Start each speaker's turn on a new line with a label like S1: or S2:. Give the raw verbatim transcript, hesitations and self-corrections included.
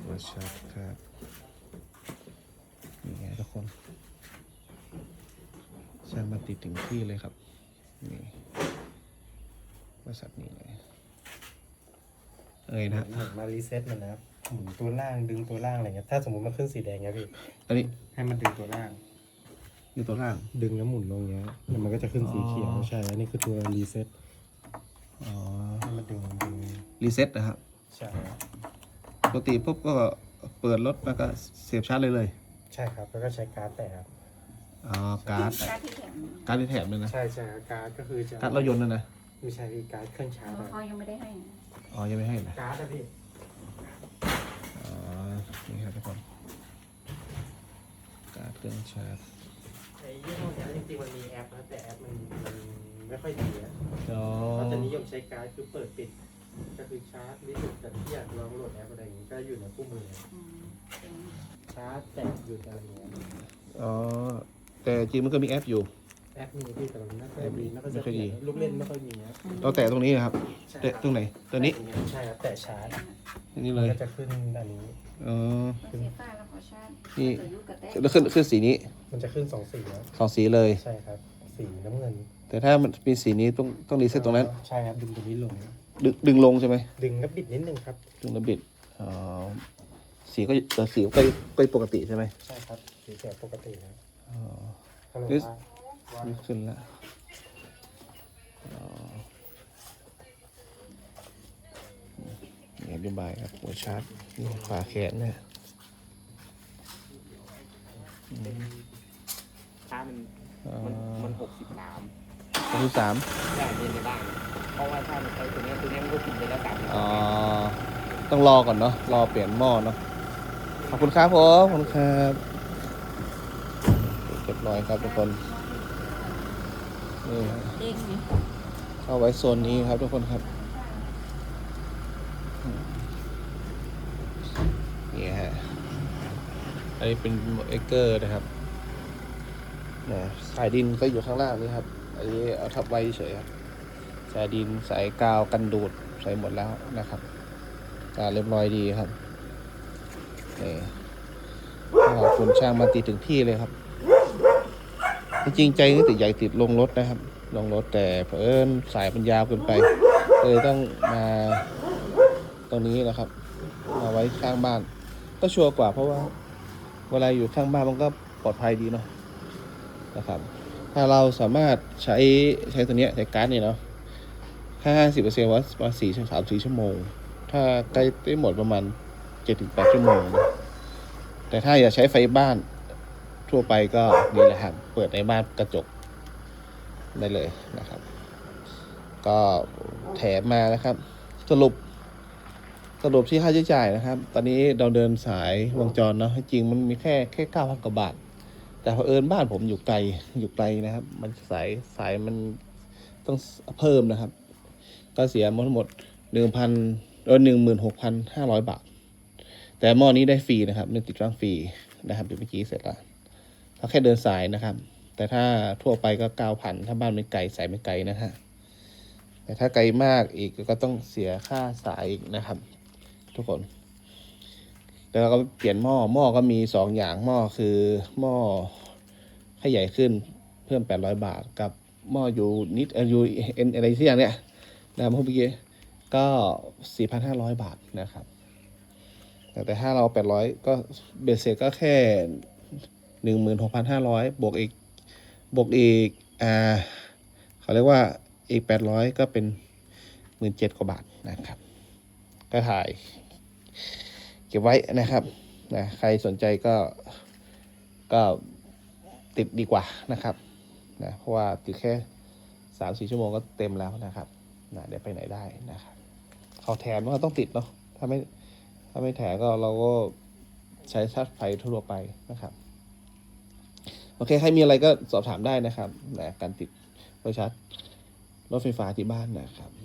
S1: ตัวชาร์จครับนี่ไงทุกคนช่างมาติดถึงที่เลยครับนี่บริษัทนี้เลยเอ้ยนะ
S2: เหมือนมารีเซ็ตมันนะครับหมุนตัวล่างดึงตัวล่างอะไรเงี้ยถ้าสมมติมันขึ้นสีแดงเงี้ยพี่
S1: อันนี้
S2: ให้มันดึงตัวล่าง
S1: อยู่ตัวล่าง
S2: ดึงแล้วหมุนลงเงี้ยแล้วมันก็จะขึ้นสีเขียว
S1: อ๋อ
S2: ใช่อันนี้คือตัวรีเซ็ต
S1: อ๋อ
S2: ให้มันดึงดึง
S1: รีเซ็ตนะครับ
S2: ใช่
S1: ปกติปุ๊บก็เปิดรถแล้วก็เสียบชาร์จเลยเลย
S2: ใช่ครับแล้วก็ใช้การ์ดแต่ครับ
S1: อ๋อการ์ด
S3: การที่แถม
S1: การ์ดที่แถมเลยนะ
S2: ใช่ใช่การ์ดก็คือจะ
S1: การ์ดรถยนต์นะนะ
S2: ไม่ใช่พี่การ์ดเครื่องชาร์จ
S3: เขายังไม่ได้ให้
S1: อ๋อยังไม่ให้นะ
S2: การ์ดอะพี่
S1: อ๋อนี่ครับทุกคนการ์ดเครื่องชาร์จ
S2: ไอ้ยี่ห้อเนี้ยจริงๆมันมีแอปนะแต่แอปมันมันไม่ค่อยดีนะ
S1: อ๋อ
S2: เขาจะนิยมใช้การ์ดคือเปิดปิดก็คือชาร์จรีเซ็ตแต่ที่อยากลองโหลดแอปอะไรอย่างงี้ก็อยู่ในคู่มือ
S3: อืมเป็น
S2: ชาร์จแตะอยู่อะไรอย่างเงี้ย
S1: อ๋อแต่จริงมันก็มีแอปอยู่
S2: แอปมีพี่แต่มันไม่ค่อยดีไม่ค่อย
S1: ไม่ค่อยดี
S2: ลูกเล่นไม่ค่อยมีนะ
S1: เราแตะตรงนี้นะครับ
S2: ใช่
S1: แตะตรงไหนตัวนี้
S2: ใช่ครับแตะชาร์จ
S1: อันนี้
S2: มั
S1: เล
S2: น
S1: ย
S2: ก็จะขึ้นอันนี้
S1: อ๋อ
S3: เสียฟ้าแล้วขอชาติ
S1: นี่
S3: เกิดยุคกระแตก
S1: แล้วขึ้นขึ้นสีนี้
S2: มันจะขึ้นสองสีแล้ว
S1: สองสีเลย
S2: ใช่ครับสีน้ำเงิน
S1: แต่ถ้ามันมีสีนี้ต้องต้องรีเซ็ตตรงนั้น
S2: ใช่ครับดึงตรงนี้ลง
S1: ดึงดึงลงใช่ไหม
S2: ดึงก็บิดนิดนึงครับ
S1: ดึงแล้วบิดอ๋อสีก็เออสีก็ก็ปกติใช่ไหม
S2: ใช่ครับสีแสบปกตินะ
S1: อ๋อ
S2: ก็เลย
S1: นี่
S2: ว่าว่า
S1: นี่ขึ้นแล้วอ๋อนี่อธิบายครับหัวชาร์จนี่ฝาแขนเนี่ยอืม
S4: ถ้ามัน
S1: อ๋อ
S4: มันมันหกสิบสาม
S1: ตัวที่สาม
S4: ได้เรียนในบ้านเพราะว่าถ้ามันใช้ตัวเนี้ยตัวเนี้ยมันก็กินไปแล้วสามสิบ
S1: อ๋อต้องรอก่อนเนาะรอเปลี่ยนหม้อเนาะขอบคุณครับผมขอบคุณครับเรียบร้อยครับทุกคนนี่ฮะ
S3: เด้งไหม
S1: เข้าไว้โซนนี้ครับทุกคนครับนี่ฮะอันนี้เป็นเอเกอร์นะครับนะสายดินก็อยู่ข้างล่างนี่ครับอันนี้เอาทับไว้เฉยครับสายดินสายกาวกันดูดใส่หมดแล้วนะครับการเรียบร้อยดีครับนี่ขอบคุณช่างมาติดถึงที่เลยครับจริงๆใจนี่ติดใหญ่ติดลงรถนะครับลงรถแต่เผอิญสายมันยาวเกินไปเลยต้องมาตรงนี้นะครับมาไว้ข้างบ้านก็ชัวร์กว่าเพราะว่าเวลาอยู่ข้างบ้านมันก็ปลอดภัยดีเนาะนะครับถ้าเราสามารถใช้ใช้ตัวเนี้ยใช้การ์ดเนี่ยเนาะห้าสิบเปอร์เซ็นต์ว่าว่าสี่สามสี่ชั่วโมงถ้าใกล้ได้หมดประมาณเจ็ดถึงแปดชั่วโมงนะแต่ถ้าอยากใช้ไฟบ้านทั่วไปก็นี่แหละครับเปิดในบ้านกระจกได้เลยนะครับ ก็แถมมานะครับ สรุปสรุปที่ค่าใช้จ่ายนะครับ ตอนนี้เราเดินสายวงจรเนาะจริงมันมีแค่แค่เก้าพันกว่าบาท แต่เผอิญบ้านผมอยู่ไกลอยู่ไกลนะครับ มันสายสายมันต้องเพิ่มนะครับ ก็เสียทั้งหมดหนึ่งพันเออหนึ่งหมื่นหกพันห้าร้อยบาท แต่หม้อนี้ได้ฟรีนะครับเรื่องติดตั้งฟรีนะครับเดี๋ยวเมื่อกี้เสร็จแล้วถ้าแค่เดินสายนะครับ แต่ถ้าทั่วไปก็เก้าพันถ้าบ้านไม่ไกลสายไม่ไกลนะฮะแต่ถ้าไกลมากอีกก็ต้องเสียค่าสายอีกนะครับ ทุกคนแล้วเราก็เปลี่ยนหม้อหม้อก็มีสองอย่างหม้อคือหม้อให้ใหญ่ขึ้นเพิ่มแปดร้อยบาทกับหม้ออยู่นิดเอออยู่เอ็นอะไรที่อย่างเนี้ยนะครับเมื่อกี้ก็สี่พันห้าร้อยบาทนะครับแต่แต่ถ้าเราแปดร้อยก็เบสเสร็จก็แค่หนึ่งหมื่นหกพันห้าร้อยบวกอีกบวกอีกอ่าเขาเรียกว่าอีกแปดร้อยก็เป็นหมื่นเจ็ดกว่าบาทนะครับก็ถ่ายเก็บไว้นะครับนะใครสนใจก็ก็ติดดีกว่านะครับนะเพราะว่าติดแค่สามสี่ชั่วโมงก็เต็มแล้วนะครับนะเดี๋ยวไปไหนได้นะครับเขาแถมก็ต้องติดเนาะถ้าไม่ถ้าไม่แถมก็เราก็ใช้ชาร์จไฟทั่วไปนะครับโอเคใครมีอะไรก็สอบถามได้นะครับนะการติดไฟชาร์จรถไฟฟ้าที่บ้านนะครับ